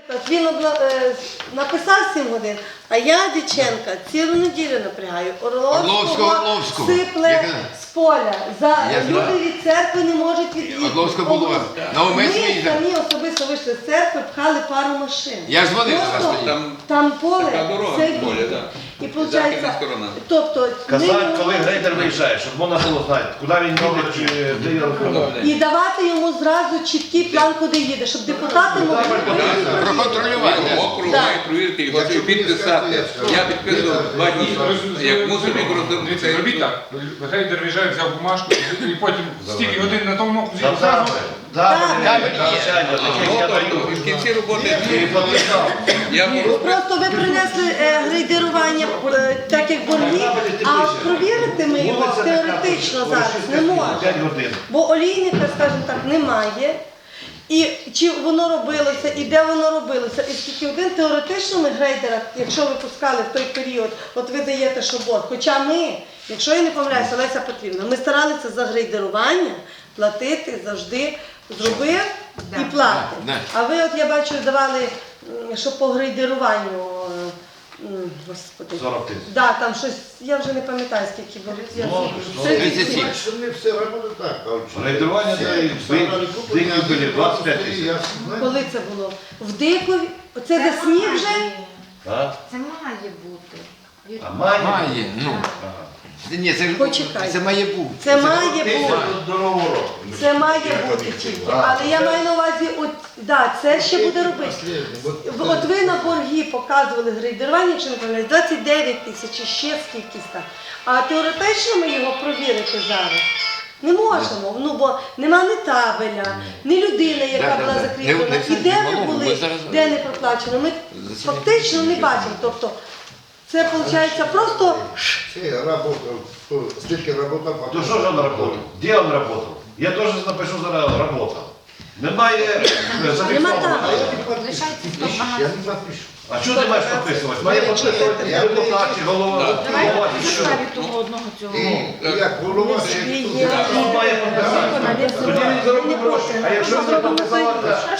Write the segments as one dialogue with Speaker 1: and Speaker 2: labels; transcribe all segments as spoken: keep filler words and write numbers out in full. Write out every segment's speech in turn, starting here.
Speaker 1: Він обла- е, написав сім годин, а я, Дяченка, цілу неділю напрягаю.
Speaker 2: Орловського,
Speaker 1: Орловського
Speaker 2: Орловського.
Speaker 1: сипле
Speaker 2: Як-
Speaker 1: з поля. За,
Speaker 2: Я
Speaker 1: люди
Speaker 2: знаю.
Speaker 1: від церкви не можуть від'їхати.
Speaker 2: Орловського було. На
Speaker 1: Ми
Speaker 2: Умець їздив.
Speaker 1: самі особисто вийшли з церкви, пхали пару машин.
Speaker 2: Я ж дзвонив
Speaker 1: Просто
Speaker 2: зараз тоді.
Speaker 3: Там,
Speaker 1: там поле,
Speaker 3: така дорога
Speaker 1: це
Speaker 3: в полі,
Speaker 1: він.
Speaker 3: так.
Speaker 1: І
Speaker 3: Західна
Speaker 1: виходить,
Speaker 3: сторона.
Speaker 1: тобто,
Speaker 4: Казати,
Speaker 1: ми-
Speaker 4: коли грейдер виїжджає, щоб можна було знати, куди він їде, чи де є рухомий.
Speaker 1: і давати йому зразу чіткий план, куди їде, щоб депутати могли перевірити.
Speaker 2: Проконтролювати.
Speaker 3: Округ
Speaker 1: Так.
Speaker 3: має провірити його і підписати. Я підписував два дні. Як мусив його
Speaker 5: Дивіться,
Speaker 3: розробити.
Speaker 5: робіть так. Грейдер виїжджає, взяв бумажку і потім стільки годин на тому окрузі
Speaker 4: Там
Speaker 5: зразу.
Speaker 4: запити, запити, навчання, таке я даю.
Speaker 3: І в кінці роботи
Speaker 4: І підписав.
Speaker 3: я можу.
Speaker 1: Просто ви принесли е, грейдерування е, так як борги, а от провірити ми його
Speaker 4: Вулиця така,
Speaker 1: теоретично зараз не можемо.
Speaker 4: п'ять годин.
Speaker 1: Бо олійника, скажімо так, немає. І чи воно робилося, і де воно робилося. І скільки один теоретично ми грейдера, якщо ви пускали в той період, от ви даєте, що борг. Хоча ми, якщо я не помиляюся, Леся Петрівна, ми старалися за грейдерування платити завжди, зробив і платив.
Speaker 2: Да.
Speaker 1: А ви, от я бачу, давали, м, що по грейдеруванню, е, м, господи.
Speaker 4: сорок тисяч.
Speaker 1: Да, там щось, я вже не пам'ятаю, скільки було. Я-
Speaker 4: Ну,
Speaker 1: тридцять сім.
Speaker 2: тридцять сім.
Speaker 6: Не все работает так.
Speaker 4: Грейдерування дають, дикі були двадцять п'ять тисяч.
Speaker 1: Коли це було? В Дикові? Оце де сніг вже?
Speaker 4: А?
Speaker 7: Це має бути.
Speaker 4: А має?
Speaker 2: Має, ну. Ні, це, ж-
Speaker 1: Почекай.
Speaker 2: це має бути.
Speaker 1: Це має бути.
Speaker 4: До нового року.
Speaker 1: Це має бути тільки. Але я маю на увазі, от, да, це ще буде робити. В- От ви на борги показували грейдерування, якщо не помиляюсь, двадцять дев'ять тисяч, і ще скількись там. А теоретично ми його провірити зараз не можемо. Ну, бо нема ні табеля, ні людини, яка
Speaker 2: Да, да,
Speaker 1: була
Speaker 2: да.
Speaker 1: закріплена.
Speaker 2: Не- не
Speaker 1: І де
Speaker 2: в
Speaker 1: ви
Speaker 2: малому,
Speaker 1: були,
Speaker 2: ми зараз-
Speaker 1: де не проплачено. Ми
Speaker 2: За це
Speaker 1: фактично не бачимо. Тобто це виходить просто
Speaker 6: Все, работал, стільки работал,
Speaker 4: То
Speaker 6: потом...
Speaker 4: що ж він працював? Де він працював? Я теж напишу зараз працював. Немає е, зафіксовано.
Speaker 1: там.
Speaker 6: А я не подпишу.
Speaker 7: Лишається сто
Speaker 6: Я
Speaker 7: багато.
Speaker 6: не подпишу.
Speaker 4: А що ти маєш підписувати? Має підписувати депутат чи голова.
Speaker 7: Давайте
Speaker 4: голова,
Speaker 7: на
Speaker 4: чи що?
Speaker 7: підставі того одного цього.
Speaker 6: І як голова,
Speaker 1: є.
Speaker 4: Хто має підписати? Тоді він заробить гроші. А якщо не підписав,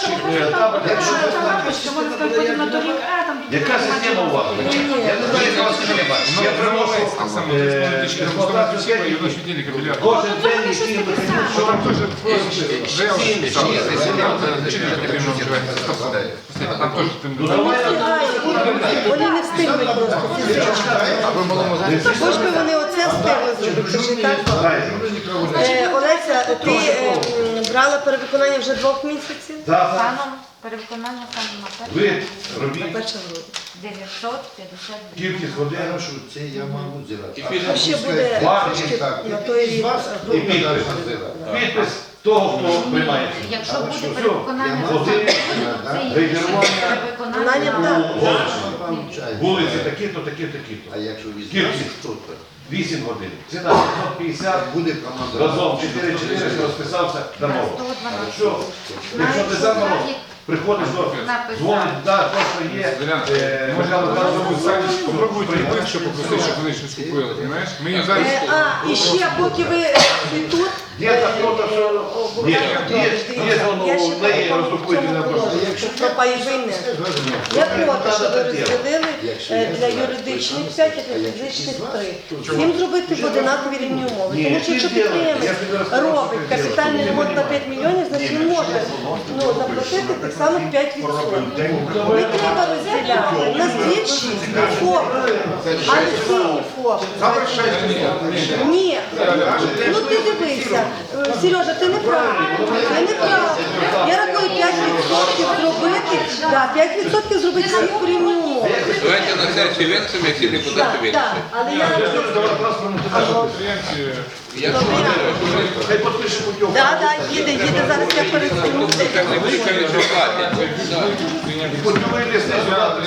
Speaker 4: яка система у вас? Я не знаю, яка у вас система. Я приношу
Speaker 5: Так само,
Speaker 4: е, експлуатацію
Speaker 5: і
Speaker 4: техніки.
Speaker 5: воно щоденний капіляр.
Speaker 4: Кожен день який
Speaker 5: Що там теж вже
Speaker 2: Ні,
Speaker 5: там
Speaker 2: ні, ні,
Speaker 5: чотири потрібно вживати. Там теж тим
Speaker 4: Ну давай
Speaker 1: вони не встигли просто фізично.
Speaker 2: А ви малому зараз?
Speaker 1: Хоч би вони оце встигли зробити, це ж і так. Е, Олеся, ти е, м, брала перевиконання вже двох місяців?
Speaker 4: Так,
Speaker 7: Станом перевиконання станом на
Speaker 4: ви
Speaker 7: перше
Speaker 4: робіть
Speaker 1: Перша грудня.
Speaker 7: дев'ятсот п'ятдесят дві.
Speaker 4: кількість годин
Speaker 6: Хорошо, це я можу зробити.
Speaker 3: І підпис.
Speaker 1: А ще буде
Speaker 4: Ладно,
Speaker 1: трошки
Speaker 6: так.
Speaker 1: на той рік.
Speaker 4: і підпис. Підпис того, хто приймає.
Speaker 7: Якщо буде
Speaker 4: Все.
Speaker 7: перевиконання
Speaker 6: Я
Speaker 7: станом
Speaker 4: можу.
Speaker 7: це є
Speaker 4: Рейдерування.
Speaker 7: перевиконання
Speaker 1: Виконання,
Speaker 7: на
Speaker 4: Вулиці такі-то, такі-то, такі-то.
Speaker 6: А якщо візьмеш
Speaker 4: Кількість.
Speaker 6: хто-то,
Speaker 4: вісім годин. Ціна п'ятсот п'ятдесят.
Speaker 6: буде команда.
Speaker 4: Разом чотири чотириста розписався, дамо.
Speaker 7: сто дванадцять.
Speaker 4: Що? Якщо ти замало, приходиш до
Speaker 7: Написав.
Speaker 4: дзвонить, да, то, що є. е, Михайло Михайлович,
Speaker 5: Попробуйте ближче попросити, щоб вони щось купили, розумієш? Ми їм зараз...
Speaker 1: Е, А, і ще, поки ви е, тут,
Speaker 4: Где-то кто-то все... Нет, есть, есть он
Speaker 1: я
Speaker 4: у
Speaker 1: ще
Speaker 4: неї
Speaker 1: по
Speaker 4: роздрукуєте на
Speaker 1: цьому
Speaker 4: просто.
Speaker 1: положенню, щоб про пайовий не. Я проти, що ви розділили е, для юридичних п'ять, а для фізичних три. Їм зробити в одинакові рівні умови. Тому що якщо підприємець робить капітальний ремонт на п'ять мільйонів, значить він може ну, заплатити так само п'ять відсотків. Не треба розділяти. У нас більші ФОПи, а не сині ФОПи. Ні. Ну ти дивися. Сережа, ти не правий. Ти не правий. Я рахую п'ять відсотків зробити, да, п'ять відсотків зробити всі по рівні умови.
Speaker 3: Давайте на сесію винесемо, як всі депутати
Speaker 1: Так,
Speaker 3: винесуть.
Speaker 1: так. Але я...
Speaker 3: Якщо
Speaker 4: Хай підпише путівку.
Speaker 1: Так, так, їде, їде, зараз я пересуну.
Speaker 3: так не буде, що платять.
Speaker 4: Путівку йде сюди,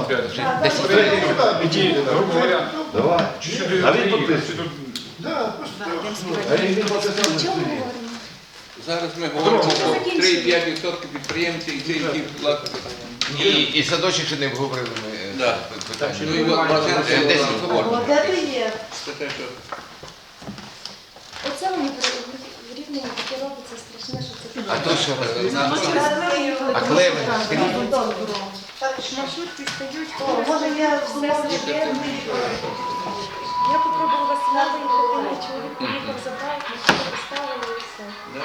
Speaker 5: Іди, грубо говоря,
Speaker 4: Давай.
Speaker 5: чуть-чуть
Speaker 4: А він підписує.
Speaker 6: Да, просто
Speaker 4: А він підписав.
Speaker 3: Зараз ми говоримо про три-п'ять відсотків підприємців і ці, які платять.
Speaker 2: І, і садочок ще не обговорили ми е,
Speaker 3: Да.
Speaker 2: питання.
Speaker 3: Ну і от магазин
Speaker 2: Це
Speaker 3: це
Speaker 2: десять
Speaker 1: О,
Speaker 3: говоримо.
Speaker 1: де ти є?
Speaker 3: Це те, що...
Speaker 8: Оце мені в рівні таке робиться страшне, що це
Speaker 2: А то що?
Speaker 3: На-
Speaker 2: А Клевень?
Speaker 8: Маршрутки стають,
Speaker 1: О, може я знову
Speaker 8: Я попробувала сюди виїхати, чоловік поїхав, забрав, машину поставили і все.
Speaker 3: Да.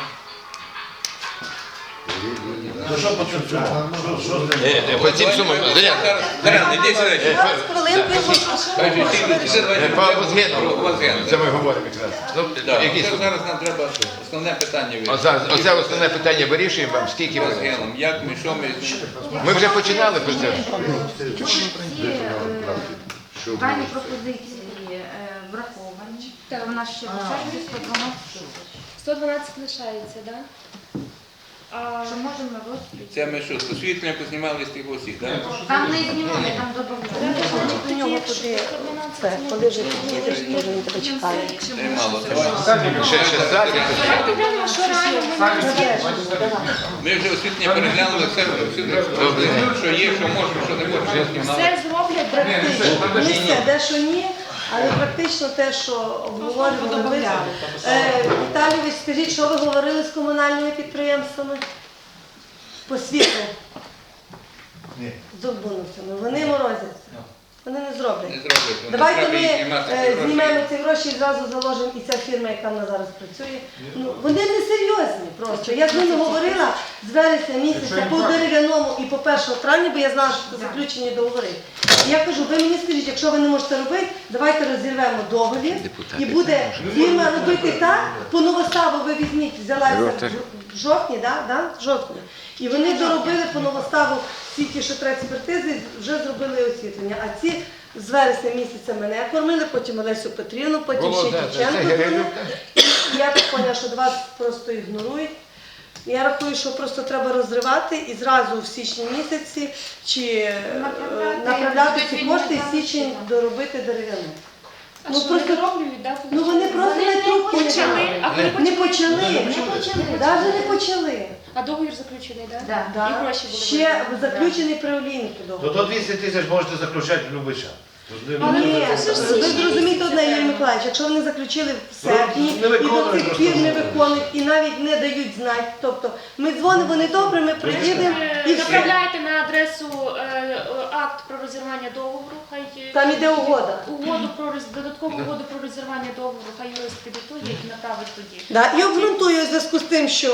Speaker 4: Ну що по цьому? Що- що з ним?
Speaker 2: Е, е, По цим сумам, Зоряна,
Speaker 3: Зараз, Зоряна, іди сюди.
Speaker 1: Зараз хвилинку я хочу.
Speaker 3: Кажи, ти- ти давай
Speaker 2: е, по Возгену,
Speaker 3: Возгену.
Speaker 2: це ми говоримо якраз. Ну,
Speaker 3: Да,
Speaker 2: які
Speaker 3: це
Speaker 2: суми?
Speaker 3: зараз нам треба основне питання
Speaker 2: О,
Speaker 3: вирішити.
Speaker 2: зараз, оце основне питання вирішуємо вам, скільки ви.
Speaker 3: Возгеном, як ми, що ми.
Speaker 2: Ми вже починали про це.
Speaker 7: Ці е, дані пропозиції е, враховані.
Speaker 8: Так.
Speaker 7: У нас ще лишається сто дванадцять тисяч.
Speaker 8: сто дванадцять лишається, так? А
Speaker 7: Що можемо розподілити?
Speaker 3: Це ми що, з освітлення познімали з тих усіх, так?
Speaker 7: Там не знімали, там додавали.
Speaker 1: До нього туди, це, коли вже під'їдеш, то він тебе чекає.
Speaker 3: Це мало. Давай.
Speaker 2: Ще, ще садик.
Speaker 8: давайте глянемо, що реально ми
Speaker 3: Ми вже освітлення переглянули, все, все, що є, що можемо, що не можемо, що знімали.
Speaker 8: все зроблять.
Speaker 1: Практично. Не все, дещо ні, але практично те, що обговорювали ви. Е, Віталійович, скажіть, що ви говорили з комунальними підприємствами? По світлу?
Speaker 6: Ні.
Speaker 1: З обманутими. Вони морозяться. Вони не зроблять.
Speaker 3: Не зроблять. Вони
Speaker 1: Давайте
Speaker 3: треба
Speaker 1: ми
Speaker 3: їх знімати,
Speaker 1: е,
Speaker 3: ці гроші.
Speaker 1: знімемо ці гроші і зразу заложимо, і ця фірма, яка в нас зараз працює. Ну, вони не серйозні просто. Я з ними говорила з вересня місяця по дерев'яному і по першого травня, бо я знала, що це заключені договори. І я кажу, ви мені скажіть, якщо ви не можете робити, давайте розірвемо договір і буде фірма робити так, по новоставу ви візьміть, взялася в жовтні, да? Да? В жовтні. І вони доробили по новоставу всі ті, що треба експертизи, вже зробили освітлення. А ці з вересня місяця мене кормили, потім Олесю Петрівну, потім
Speaker 2: Було,
Speaker 1: ще
Speaker 2: да, це
Speaker 1: Дівченко.
Speaker 2: Герилюк,
Speaker 1: кормили. І я так поняла, що вас просто ігнорують. Я рахую, що просто треба розривати і зразу в січні місяці чи е,
Speaker 7: Направляти.
Speaker 1: направляти ці
Speaker 7: Будуть
Speaker 1: кошти і
Speaker 7: відмовляти,
Speaker 1: січень
Speaker 7: так.
Speaker 1: доробити дерев'яну.
Speaker 8: А
Speaker 1: Ну,
Speaker 8: що,
Speaker 1: просто-
Speaker 8: не дороблюють, да?
Speaker 1: Ну вони просто
Speaker 8: Вони
Speaker 1: не
Speaker 8: не
Speaker 1: трубки не
Speaker 8: почали.
Speaker 1: дали.
Speaker 8: А коли
Speaker 1: Не
Speaker 8: почали?
Speaker 1: почали,
Speaker 7: Не почали.
Speaker 1: навіть не почали.
Speaker 8: А договір заключений, так?
Speaker 7: Да.
Speaker 1: Да.
Speaker 8: І гроші були
Speaker 1: Ще
Speaker 8: виділені.
Speaker 1: заключений при олійнику
Speaker 4: То
Speaker 1: договір.
Speaker 4: до двісті тисяч можете заключати в будь-який час.
Speaker 8: Але
Speaker 1: Ні,
Speaker 8: ви це ж
Speaker 1: ви
Speaker 8: всі
Speaker 1: зрозумієте одне,
Speaker 8: місяці.
Speaker 1: Юрій Миколаївич, якщо вони заключили в серпні
Speaker 4: Ну, не
Speaker 1: і до
Speaker 4: виконують
Speaker 1: цих пір не
Speaker 4: просто.
Speaker 1: виконують і навіть не дають знати, тобто ми дзвонимо, вони добре, ми приїдемо і
Speaker 8: Е,
Speaker 1: все.
Speaker 8: Направляйте на адресу е, е, акт про розірвання договору, хай е,
Speaker 1: Там іде угода.
Speaker 8: угоду про роз- додаткову угоду про розірвання договору, хай юрист підготує і направить тоді.
Speaker 1: Да, і обґрунтую в зв'язку з тим, що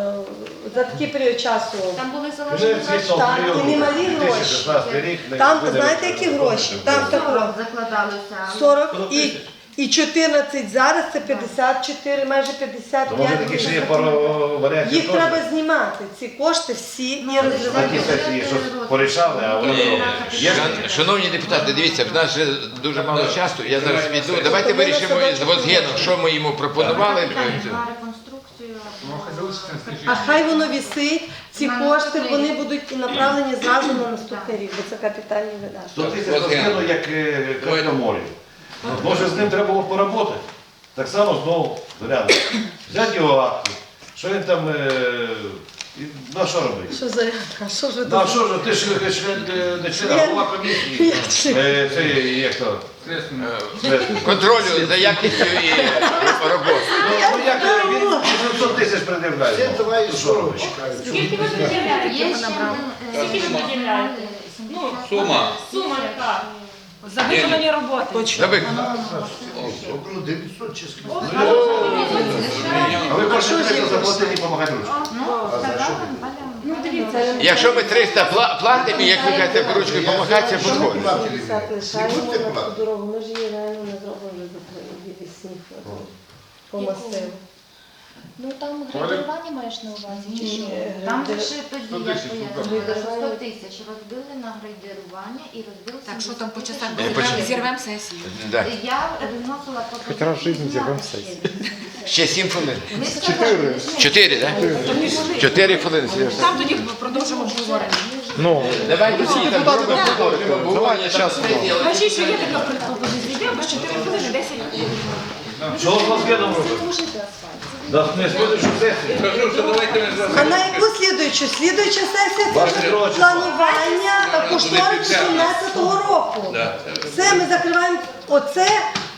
Speaker 1: е, за такий період часу
Speaker 8: Там були
Speaker 4: Вже
Speaker 8: залежні гроші.
Speaker 4: світло
Speaker 1: Так,
Speaker 4: період
Speaker 1: і немалі
Speaker 4: дві тисячі шістнадцятий рік. не
Speaker 1: там,
Speaker 4: буде
Speaker 1: знаєте, які гроші? Там такого
Speaker 7: Закладалися.
Speaker 1: сорок і, і чотирнадцять зараз, це п'ятдесят чотири, майже п'ятдесят
Speaker 4: То може
Speaker 1: п'ять.
Speaker 4: такі ще є пару варіантів.
Speaker 1: Їх
Speaker 4: теж?
Speaker 1: треба знімати, ці кошти всі і
Speaker 4: На
Speaker 1: розривати.
Speaker 4: ті сесії щось порішали, а вони не роблять. Є ж
Speaker 2: Шан- Шановні депутати, дивіться, в нас же дуже мало часу, я зараз піду. Давайте вирішимо з Возгеном, що ми йому пропонували.
Speaker 7: На реконструкцію.
Speaker 5: Ну, хай залишиться на слідчий
Speaker 1: А
Speaker 5: рік.
Speaker 1: хай воно вісить, ці
Speaker 7: На
Speaker 1: кошти
Speaker 7: наступний
Speaker 1: вони
Speaker 7: рік.
Speaker 1: будуть направлені зразу на наступний рік, бо це капітальні видатки.
Speaker 4: сто тисяч розкину, як е, красноморі. Може з ним треба було поработати. Так само знову, Зоряна, взяти його акти, що він там, е, і- на що робити?
Speaker 1: Що за а що ж ви
Speaker 4: Ну а
Speaker 1: тут?
Speaker 4: що ж, ти ж е, член, е, не член, а
Speaker 1: Член.
Speaker 4: голова комісії. Е, Це як то?
Speaker 5: Слідственний.
Speaker 4: Слідство.
Speaker 2: Контролю за якістю і роботи.
Speaker 4: Ну, ну як е, він вісімсот тисяч пред'являє.
Speaker 6: Це
Speaker 4: Ну,
Speaker 6: давай
Speaker 4: що
Speaker 6: що
Speaker 4: робити?
Speaker 6: чекають.
Speaker 8: Скільки ви виділяєте?
Speaker 7: Є ще один. е,
Speaker 8: Скільки ви виділяєте? Ну,
Speaker 3: Сума.
Speaker 8: сума яка?
Speaker 3: За виконані
Speaker 1: Точно.
Speaker 2: Давай.
Speaker 6: Около дев'ятсот чи скільки.
Speaker 4: А ви кожен триста заплатили і допомагати ручку.
Speaker 7: Ну, сказала Валя.
Speaker 8: Ну, дивіться.
Speaker 2: Якщо ми триста пла- платимо, і як ви кажете, ручкою допомагати, це підходить.
Speaker 1: п'ятдесят лишаємо на ту дорогу, ми ж її реально не зробимо від сніг по масиву.
Speaker 8: Ну, там градування маєш на увазі, чи що?
Speaker 7: Там лише тоді, я
Speaker 5: тисяч,
Speaker 7: пояснила, що сто тисяч розбили на грейдерування і розбили
Speaker 9: Так, що там по
Speaker 7: сімдесят
Speaker 9: часах
Speaker 7: тисяч.
Speaker 2: Е, почекай.
Speaker 9: зірвемо сесію.
Speaker 2: Да.
Speaker 7: Я вносила пропозицію.
Speaker 10: Хоч раз в житті зірвемо
Speaker 7: зняти
Speaker 10: сесію.
Speaker 7: ще
Speaker 2: Ще сім хвилин.
Speaker 7: Ми сказали,
Speaker 2: Чотири, так? Чотири хвилини. Сережа.
Speaker 9: Там тоді продовжимо обговорення.
Speaker 10: Ну,
Speaker 2: Давайте всі там зробимо обговорення.
Speaker 10: час.
Speaker 9: Кажіть, що є така пропозиція. Йдемо з чотири хвилини, десять хвилин.
Speaker 4: Що з Возгеном робити? Да, не слідуючу сесію.
Speaker 3: Кажу, що давайте ми
Speaker 1: А
Speaker 3: зробимо.
Speaker 1: на яку слідуючу? Слідуюча сесія це
Speaker 4: двадцять
Speaker 1: вже
Speaker 4: другого
Speaker 1: планування кошторису сімнадцятого року.
Speaker 3: Да.
Speaker 1: Все, ми закриваємо оце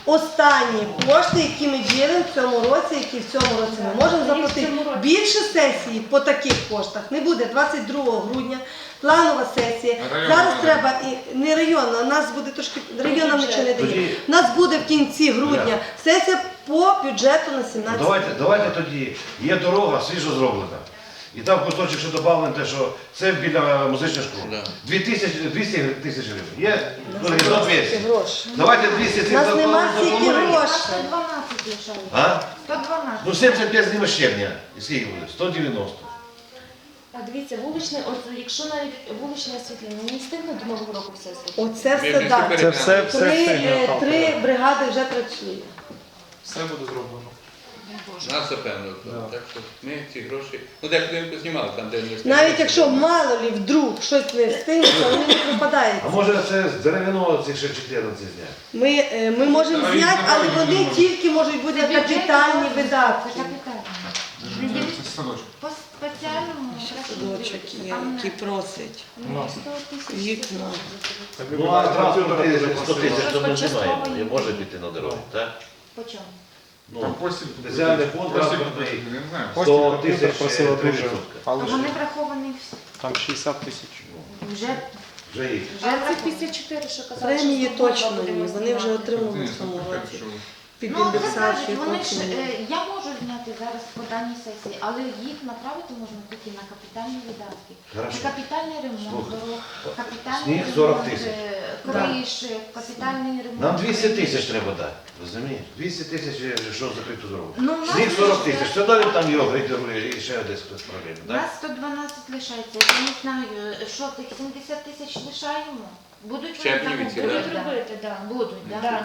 Speaker 1: останні кошти, які ми ділимо в цьому році, які в цьому році ми можемо заплатити. Більше сесії по таких коштах не буде. двадцять другого грудня планова сесія.
Speaker 5: Районна
Speaker 1: Зараз
Speaker 5: буде.
Speaker 1: треба і не районна, у нас буде трошки районна нічого не дає.
Speaker 4: Тоді-
Speaker 1: У нас буде в кінці грудня сесія по бюджету на
Speaker 4: Ну,
Speaker 1: сімнадцять.
Speaker 4: давайте, давайте тоді, є дорога, свіжо зроблена. І там кусочок ще додавлено те, що це біля музичної школи.
Speaker 3: Да.
Speaker 4: Дві тисячі, двісті тисяч гривень. Є? Ну, за двісті.
Speaker 1: Гроші.
Speaker 4: Давайте двісті
Speaker 1: У
Speaker 4: цих
Speaker 1: нас нема
Speaker 4: заплатимо.
Speaker 1: стільки
Speaker 7: А
Speaker 1: грошей.
Speaker 7: сто дванадцять лишається.
Speaker 4: А?
Speaker 7: сто дванадцять.
Speaker 4: Ну сімдесят п'ять зніме щебня. І скільки буде? сто дев'яносто.
Speaker 8: А дивіться, вуличне, от якщо навіть вуличне освітлення, не встигне до Нового року все зробити.
Speaker 1: Оце
Speaker 3: Ми
Speaker 1: все
Speaker 3: вже всі
Speaker 1: так.
Speaker 3: переглянули.
Speaker 10: Це все,
Speaker 1: Три,
Speaker 10: все
Speaker 1: е,
Speaker 10: встигне.
Speaker 1: три бригади вже працює.
Speaker 5: Все буде зроблено.
Speaker 3: Нас запевнили. Так що ми ці гроші, ну дехто не познімали там, де не
Speaker 1: Навіть якщо мало лі вдруг щось не встигнеться, вони не
Speaker 4: А
Speaker 1: пропадають.
Speaker 4: може це з дерев'яного цих ще чотирнадцять зняти?
Speaker 1: Ми, е, ми можемо
Speaker 5: Давай,
Speaker 1: зняти, але
Speaker 5: давай,
Speaker 1: вони
Speaker 5: давай.
Speaker 1: тільки можуть бути капітальні
Speaker 7: Це
Speaker 1: видатки.
Speaker 7: капітально.
Speaker 5: Це садочок.
Speaker 7: По спеціальному
Speaker 1: Садочок є, який просить.
Speaker 8: Ну, сто тисяч.
Speaker 1: Вікна.
Speaker 4: Ну а транспорт сто тисяч то ми знаємо, не може піти на дорогу, так?
Speaker 7: По чому?
Speaker 5: Там
Speaker 4: Ну,
Speaker 5: постіль.
Speaker 4: спеціальний фонд
Speaker 5: Постіль,
Speaker 4: транспортний
Speaker 5: я не знаю.
Speaker 4: сто
Speaker 10: Постіль
Speaker 4: тисяч
Speaker 10: просила
Speaker 4: три
Speaker 10: дуже.
Speaker 4: відсотка.
Speaker 7: А
Speaker 10: Але
Speaker 7: вони
Speaker 10: ж
Speaker 7: враховані всі.
Speaker 10: там шістдесят тисяч.
Speaker 7: Вже
Speaker 4: Вже їх.
Speaker 8: двадцять п'ятдесят чотири, що казали,
Speaker 1: Премії
Speaker 8: що
Speaker 1: точно
Speaker 8: буде
Speaker 1: ні, вони вже отримали в цьому році. Під
Speaker 7: Ну, це кажуть,
Speaker 1: індексацію
Speaker 7: вони ж,
Speaker 1: потім.
Speaker 7: е, я можу зняти зараз по даній сесії, але їх направити можна тільки на капітальні видатки.
Speaker 4: Хорошо.
Speaker 7: На капітальний ремонт
Speaker 4: Слухай,
Speaker 7: дорог, капітальний
Speaker 4: сніг сорок
Speaker 7: ремонт,
Speaker 4: тисяч.
Speaker 7: е, криші, капітальний ремонт.
Speaker 4: Нам двісті тисяч
Speaker 7: криші.
Speaker 4: треба дати, розумієш? двісті тисяч, що закрито зробити.
Speaker 7: Ну, у нас
Speaker 4: Сніг сорок
Speaker 7: лише-
Speaker 4: тисяч, що далі там його грейдерує і ще десь хтось проблеми,
Speaker 7: У
Speaker 4: так?
Speaker 7: нас сто дванадцять лишається. Я не знаю, що тих сімдесят тисяч лишаємо. Будуть вони
Speaker 3: Щебні
Speaker 7: там
Speaker 3: від ці,
Speaker 7: робити?
Speaker 8: Будуть робити, так.
Speaker 7: Будуть, так?
Speaker 8: Да.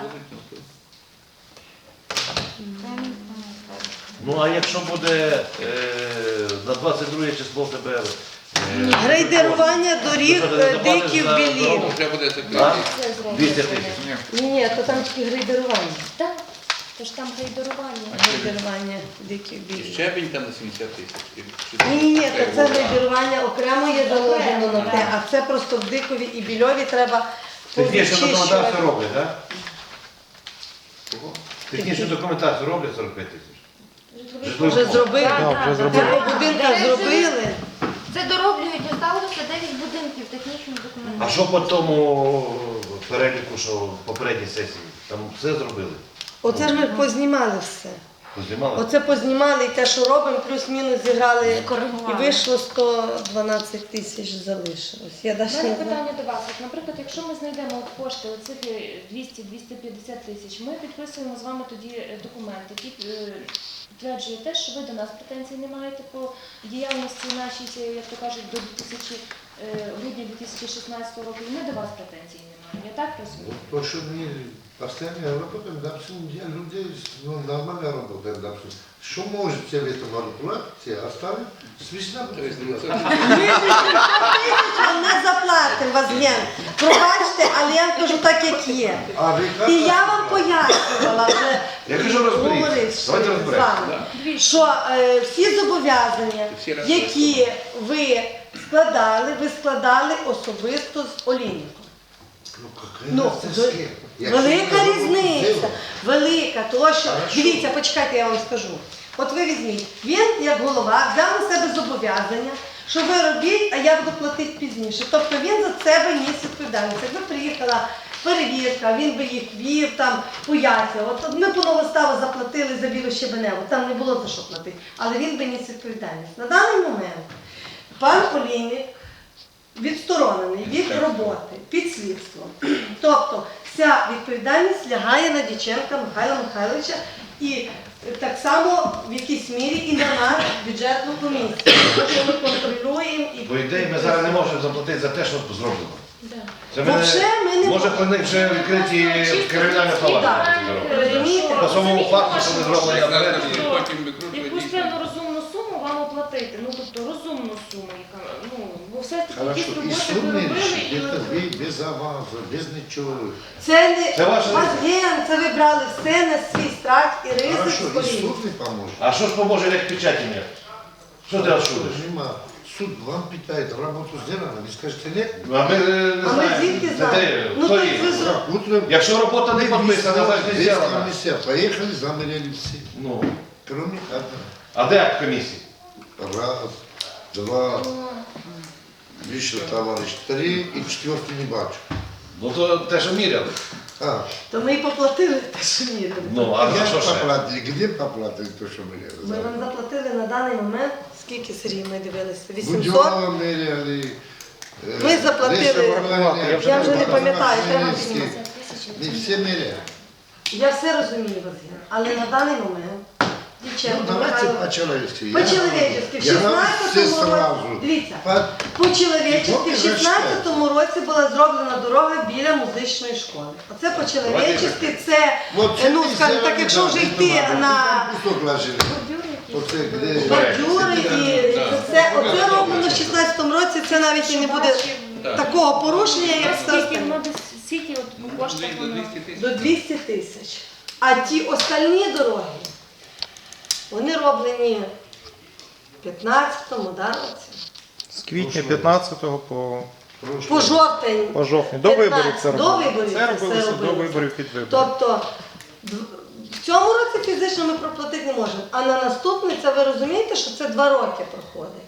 Speaker 7: Це я не знаю.
Speaker 4: Ну а якщо буде е, на двадцять друге число в тебе... е,
Speaker 1: Грейдерування доріг
Speaker 4: що ти не
Speaker 1: е,
Speaker 4: заплатиш
Speaker 1: диків
Speaker 4: за
Speaker 1: білів.
Speaker 4: дорогу?
Speaker 3: Вже буде
Speaker 4: А?
Speaker 3: закритий.
Speaker 8: Це зроблено.
Speaker 4: двісті тисяч.
Speaker 5: Ні.
Speaker 1: Ні, ні, то там тільки грейдерування.
Speaker 8: Так, тож там грейдерування.
Speaker 1: Грейдерування диких
Speaker 3: І
Speaker 1: білів.
Speaker 3: щебень там на сімдесят тисяч. І
Speaker 1: Ні, ні, ні, то це
Speaker 3: Треба.
Speaker 1: грейдерування окремо є заложено на те, а це просто в Дикові і Більові треба
Speaker 4: Технічну документацію
Speaker 1: повичищувати.
Speaker 4: роблять, так?
Speaker 3: Кого?
Speaker 4: Технічну документацію роблять сорок п'ять тисяч.
Speaker 1: Вже зробили.
Speaker 10: Так, вже
Speaker 1: Це
Speaker 10: зробили.
Speaker 1: по будинках зробили.
Speaker 7: Це дороблюють, осталося дев'ять будинків технічної
Speaker 4: А
Speaker 7: документації.
Speaker 4: що по тому переліку, що в попередній сесії? Там все зробили?
Speaker 1: Оце ж ми познімали все.
Speaker 4: Познімали?
Speaker 1: Оце познімали і те, що робимо, плюс-мінус зіграли. І
Speaker 7: Скоригували.
Speaker 1: вийшло сто дванадцять тисяч залишилось. Я
Speaker 8: У
Speaker 1: навіть
Speaker 8: мене
Speaker 1: не знаю.
Speaker 8: питання до вас. От, наприклад, якщо ми знайдемо от кошти, оцих двісті - двісті п'ятдесят тисяч, ми підписуємо з вами тоді е, документ, який е, підтверджує те, що ви до нас претензій не маєте по діяльності нашій, як то кажуть, до дві тисячі, е, грудня дві тисячі шістнадцятого року, і ми до вас претензій не маємо. Я так розумію?
Speaker 6: То, що ми постоянно работаем, допустим, я людей, ну, нормально работаем, допустим. Що можете в этом году платить, оставим, свистна
Speaker 3: Тобто, ну,
Speaker 6: будет.
Speaker 3: це-
Speaker 1: Ми тисяч вам не заплатимо вас, Ген. Пробачте, але я вам кажу так, як є.
Speaker 6: А ви
Speaker 1: І я вам пояснювала вже.
Speaker 4: Я кажу, розберіться.
Speaker 1: говоривши
Speaker 4: Давайте
Speaker 1: з
Speaker 4: розберемося.
Speaker 1: вами, що е, всі зобов'язання,
Speaker 3: Всі разом.
Speaker 1: які ви складали, ви складали особисто з Олійником.
Speaker 6: Ну, какая
Speaker 1: Ну,
Speaker 6: разница
Speaker 1: ви-
Speaker 6: с кем? Якщо
Speaker 1: велика
Speaker 6: ми
Speaker 1: різниця,
Speaker 6: робимо,
Speaker 1: велика, тому що,
Speaker 6: Хорошо.
Speaker 1: дивіться, почекайте, я вам скажу. От ви візьміть, він, як голова, взяв на себе зобов'язання, що ви робіть, а я буду платити пізніше. Тобто він за себе ніс відповідальність. Якби приїхала перевірка, він би їх вів, там, пояснював. От, от ми по Новоставу заплатили за Білу Щебеневу, там не було за що платити, але він би ніс відповідальність. На даний момент пан Олійник відсторонений від роботи під слідством. Тобто вся відповідальність лягає на Дяченка Михайла Михайловича і так само в якійсь мірі і на нас, бюджетну комісію. Тому що ми контролюємо і...
Speaker 4: По ідеї ми зараз не можемо заплатити за те, що зроблено.
Speaker 8: Да.
Speaker 4: Це
Speaker 1: Вообще ми не
Speaker 4: може по них вже відкриті кримінальне провадження.
Speaker 1: Розумієте?
Speaker 4: По самому факту, що не зроблено наперед.
Speaker 3: І потім викручує
Speaker 8: Якусь
Speaker 3: дійсно.
Speaker 8: певну розумну суму вам оплатити, ну тобто розумну суму, яка, ну, бо все ж таки
Speaker 6: Хорошо,
Speaker 8: якісь
Speaker 6: і
Speaker 8: роботи ви
Speaker 6: суми
Speaker 8: робили, і
Speaker 6: це
Speaker 8: ви-
Speaker 6: ви без авансу, без нічого.
Speaker 1: Це не
Speaker 4: Це ваше
Speaker 1: вас ген, це ви брали все на свій страх і ризик
Speaker 6: Хорошо,
Speaker 1: з
Speaker 6: і
Speaker 1: колін.
Speaker 6: суд не поможе.
Speaker 4: А що ж поможе, як печаті нет? Що ти розшудиш?
Speaker 6: Нема. суд вам питает, работу сделана, вы скажете нет?
Speaker 4: А ми не
Speaker 1: А ми
Speaker 4: знаємо.
Speaker 1: звідки
Speaker 4: Це
Speaker 1: знаємо?
Speaker 4: де?
Speaker 1: Ну,
Speaker 4: Хто
Speaker 1: то
Speaker 4: є?
Speaker 1: ви зро-
Speaker 6: Утром
Speaker 4: Якщо робота не підписана, значить не
Speaker 6: весь
Speaker 4: зроблена.
Speaker 6: комиссия поехали, замерили все.
Speaker 4: Ну,
Speaker 6: Кроме одного.
Speaker 4: а де акт комісії?
Speaker 6: Раз, два, еще товарищ, три и четвертый не бачу.
Speaker 4: Ну то те, що міряли.
Speaker 6: А,
Speaker 1: То ми і поплатили те, що мірили.
Speaker 4: Ну, а
Speaker 6: где
Speaker 4: що ще?
Speaker 6: поплатили, где поплатили то, что мы
Speaker 1: Ми вам заплатили на даний момент, скільки Сергій ми дивилися? вісімсот?
Speaker 6: Будьова меряли. э,
Speaker 1: Ми заплатили,
Speaker 6: рисовали,
Speaker 1: я вже не пам'ятаю, треба
Speaker 6: Махновський.
Speaker 1: підніматися.
Speaker 6: Не все меряли.
Speaker 1: Я все розумію, Василь, але на даний момент
Speaker 6: Ну,
Speaker 1: Дівченко
Speaker 6: давайте
Speaker 1: Михайло,
Speaker 6: по-человечески. Я
Speaker 1: по-чоловічески, в
Speaker 6: говорю, я говорю все
Speaker 1: шістнадцятому році,
Speaker 6: сразу.
Speaker 1: дивіться,
Speaker 6: По-
Speaker 1: по-чоловічески в
Speaker 6: Поки
Speaker 1: шістнадцятому році була зроблена дорога біля музичної школи. Оце по-чоловічески, це,
Speaker 6: Вот
Speaker 1: ну,
Speaker 6: це
Speaker 1: скажімо так,
Speaker 6: місце,
Speaker 1: якщо
Speaker 6: да,
Speaker 1: вже
Speaker 6: не
Speaker 1: йти
Speaker 6: треба.
Speaker 1: на
Speaker 6: Там кусок ложили. Оце, де-
Speaker 1: бордюри і це все, оце роблено в шістнадцятому році, це навіть і не буде такого порушення, як все
Speaker 8: Скільки
Speaker 1: остальне.
Speaker 8: воно десь, скільки от по коштах
Speaker 3: До
Speaker 8: воно?
Speaker 3: двісті тисяч.
Speaker 1: До двісті тисяч. А ті остальні дороги, вони роблені в п'ятнадцятому, да, році?
Speaker 10: З квітня п'ятнадцятого по,
Speaker 1: По жовтень.
Speaker 10: по жовтень. До виборів це
Speaker 1: До
Speaker 10: робили.
Speaker 1: виборів
Speaker 10: Це
Speaker 1: це
Speaker 10: робилося
Speaker 1: все
Speaker 10: до
Speaker 1: робилося.
Speaker 10: виборів під вибори.
Speaker 1: Тобто д- в цьому році фізично ми проплатити не можемо, а на наступний, це ви розумієте, що це два роки проходить.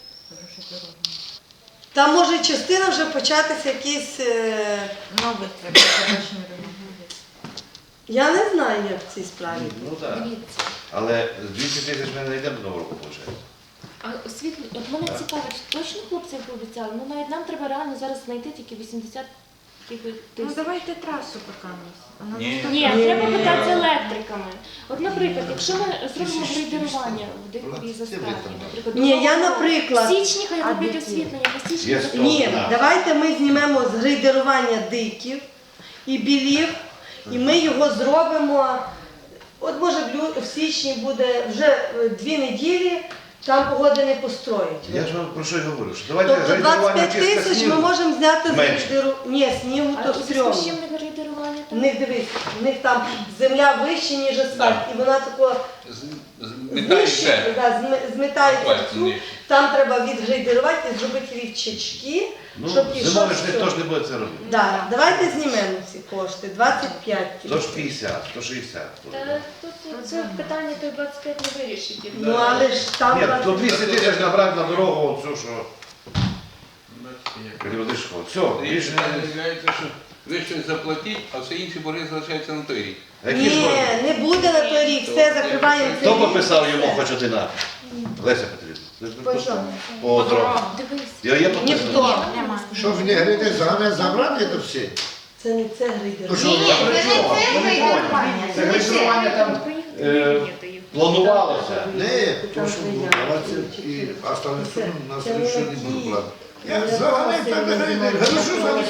Speaker 1: Там може частина вже початися якісь. е,
Speaker 7: Нових треба, завершення ремонту.
Speaker 1: Я не знаю, як в цій справі.
Speaker 4: Ну так.
Speaker 8: Дивіться.
Speaker 4: Але двісті тисяч ми не йдемо до нового року, виходить.
Speaker 8: А освітлі, от мене цікавить, точно хлопці пообіцяли? Ну навіть нам треба реально зараз знайти тільки вісімдесят якихось
Speaker 7: Ну
Speaker 8: тисяч.
Speaker 7: давайте трасу покамусь.
Speaker 3: Ні.
Speaker 8: Ні, треба питати з електриками. От, наприклад, якщо ми зробимо грейдерування в Дикій заставі, наприклад,
Speaker 1: Ні, я,
Speaker 8: до Нового року,
Speaker 1: наприклад-
Speaker 8: в січні хай
Speaker 7: А
Speaker 8: роблять
Speaker 7: Дикі?
Speaker 8: освітлення, бо січні
Speaker 4: Є
Speaker 8: закриті.
Speaker 1: Ні,
Speaker 4: Так.
Speaker 1: давайте ми знімемо з грейдерування диків і білів, і ми його зробимо. От може в лю- в січні буде вже е, дві неділі, там погоди не построїть.
Speaker 4: Я ж вам про що й говорю, що давайте
Speaker 1: Тобто
Speaker 4: грейдерування
Speaker 1: двадцять п'ять
Speaker 4: чисто
Speaker 1: тисяч ми
Speaker 4: снігу.
Speaker 1: можемо зняти з
Speaker 4: Менше.
Speaker 1: грейдеру. Ні, снігу
Speaker 8: А
Speaker 1: то
Speaker 8: у зв'язку
Speaker 1: стрьомно.
Speaker 8: з чим не грейдерування?
Speaker 1: В них дивись, в них там земля вища, ніж асфальт, і вона тако
Speaker 3: Змітає
Speaker 1: знищує,
Speaker 3: все.
Speaker 1: да, зми- змітається
Speaker 3: Асфальт
Speaker 1: всю.
Speaker 3: знищує.
Speaker 1: Там треба відгрейдерувати і зробити рівчачки,
Speaker 4: Ну,
Speaker 1: щоб пішов.
Speaker 4: зимою ж
Speaker 1: все.
Speaker 4: ніхто ж не буде це робити.
Speaker 1: Да, давайте знімемо ці кошти, двадцять п'ять
Speaker 4: Сто ж
Speaker 1: тисяч.
Speaker 4: п'ятдесят, сто шістдесят.
Speaker 8: Та тут це питання той двадцять п'ять не вирішить. я
Speaker 1: Ну
Speaker 8: думаю.
Speaker 1: але ж там
Speaker 4: Ні, то
Speaker 1: двадцять-
Speaker 4: двісті тисяч набрати на дорогу, оцю, що періодично. Все, більше не...
Speaker 3: Виявляється, що ви щось заплатіть, а все інші борги залишаються на той рік.
Speaker 4: А які ж
Speaker 1: Ні,
Speaker 4: борги?
Speaker 1: не буде на той рік, все закриваємо
Speaker 4: Хто
Speaker 1: цей рік.
Speaker 4: пописав йому хоч один акт? Леся Петрівна. Ви ж
Speaker 1: По
Speaker 4: не
Speaker 1: чому?
Speaker 4: По дорогам.
Speaker 8: Дивись.
Speaker 4: Я є підписаний.
Speaker 1: Ніхто.
Speaker 7: Нема.
Speaker 6: Що в негрите замість забрати це все?
Speaker 1: Це не це
Speaker 6: То
Speaker 1: грейдер.
Speaker 6: що,
Speaker 7: Ні, це не це грейдерування.
Speaker 4: Це грейдерування там е, планувалося.
Speaker 6: Не, то, що було, давайте і остальне суми на следующий не буду платити. Я взагалі так не говорю, що саме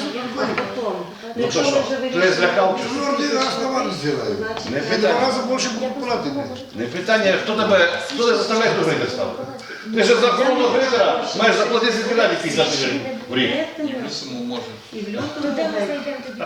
Speaker 4: Ну то що, то я злякав? чи що?
Speaker 6: Ну, один раз на вас зробили.
Speaker 4: Не
Speaker 6: Я два
Speaker 4: питання.
Speaker 6: рази більше буду платити.
Speaker 4: Не питання, хто тебе, хто тебе заставляє хто грейдер ставити? Ти ж за охорону грейдера маєш заплатити збирати п'ятдесят гривень в рік.
Speaker 3: І плюсом може.
Speaker 1: І в
Speaker 8: То
Speaker 1: лютому
Speaker 8: де ми
Speaker 1: буде
Speaker 8: знайдемо тоді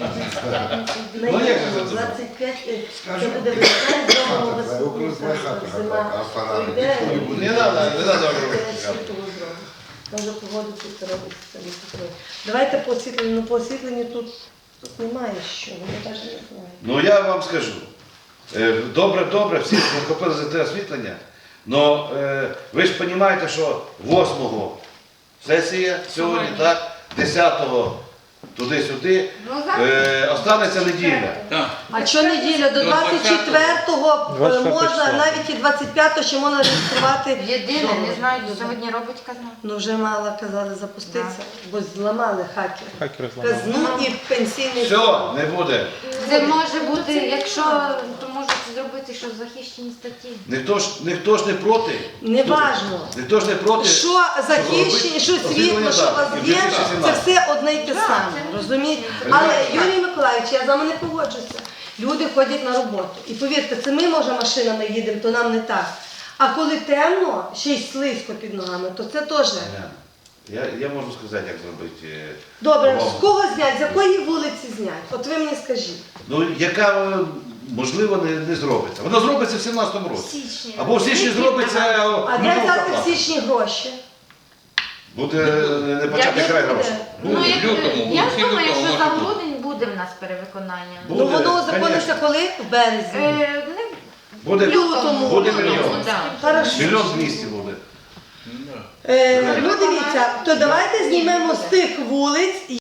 Speaker 4: Ну, як же це добре?
Speaker 1: двадцять п'ять, це буде весна, зробимо
Speaker 6: Хата,
Speaker 1: весну,
Speaker 6: около твоя хата,
Speaker 1: зима.
Speaker 6: а фонарик
Speaker 1: Пройде,
Speaker 6: ніхто не буде.
Speaker 4: Не треба, не треба
Speaker 1: Це
Speaker 4: робити.
Speaker 1: світло зробимо. Може погодити це робити, це не построїть. Давайте по освітленню, ну по освітленню тут, тут немає що, я навіть не знаю.
Speaker 4: Ну я вам скажу. Е, Добре, добре, всі захопили за те освітлення. Але ви ж розумієте, що восьмого сесія сьогодні, так, десятого туди-сюди,
Speaker 7: Ну, зараз
Speaker 4: е, останеться неділя.
Speaker 3: Так.
Speaker 1: А що неділя? До
Speaker 3: До
Speaker 1: двадцять четвертого
Speaker 10: двадцять четвертого
Speaker 1: можна,
Speaker 10: числа.
Speaker 1: навіть і двадцять п'ятого ще можна реєструвати.
Speaker 7: єдине,
Speaker 1: договір.
Speaker 7: не знаю, сьогодні робить казна.
Speaker 1: Ну вже мало казали запуститися, бо зламали хакери.
Speaker 10: Хакери зламали.
Speaker 1: Казну і пенсійний
Speaker 4: Все,
Speaker 1: фонд.
Speaker 4: не буде.
Speaker 7: Це може бути, якщо, то можуть зробити, що захищені статті.
Speaker 4: Ніхто ж, ніхто ж не проти.
Speaker 1: Неважно.
Speaker 4: Ніхто ж не проти.
Speaker 1: Що захищені, що світло, що у вас є, це все одне й те саме, розумієте? Але, Юрій Миколаївич, я з вами не погоджуся. Люди ходять на роботу. І повірте, це ми, може, машинами їдемо, то нам не так. А коли темно, ще й слизько під ногами, то це теж.
Speaker 4: Я, я можу сказати, як зробити. е,
Speaker 1: Добре,
Speaker 4: умовно.
Speaker 1: з кого знять, з якої вулиці знять? От ви мені скажіть.
Speaker 4: Ну, яка, е, можливо, не, не зробиться. Вона зробиться в сімнадцятому році.
Speaker 8: Січні.
Speaker 4: Або в січні зробиться.
Speaker 1: А де
Speaker 4: ну,
Speaker 1: взяти
Speaker 4: так.
Speaker 1: в січні гроші?
Speaker 4: Буде не почати край грошей.
Speaker 7: Ну, як,
Speaker 3: лютому,
Speaker 7: я
Speaker 3: кінці
Speaker 7: думаю,
Speaker 3: лютого
Speaker 7: що за
Speaker 3: може бути.
Speaker 7: грудень буде в нас перевиконання.
Speaker 4: Буде,
Speaker 1: Ну воно узакониться коли? В березні.
Speaker 7: Е, не
Speaker 4: Буде,
Speaker 1: В лютому.
Speaker 4: буде
Speaker 7: Ну,
Speaker 4: мільйон.
Speaker 7: да.
Speaker 1: Хорошо.
Speaker 4: Мільйон двісті буде.
Speaker 1: Е, ну дивіться, то давайте знімемо з тих вулиць,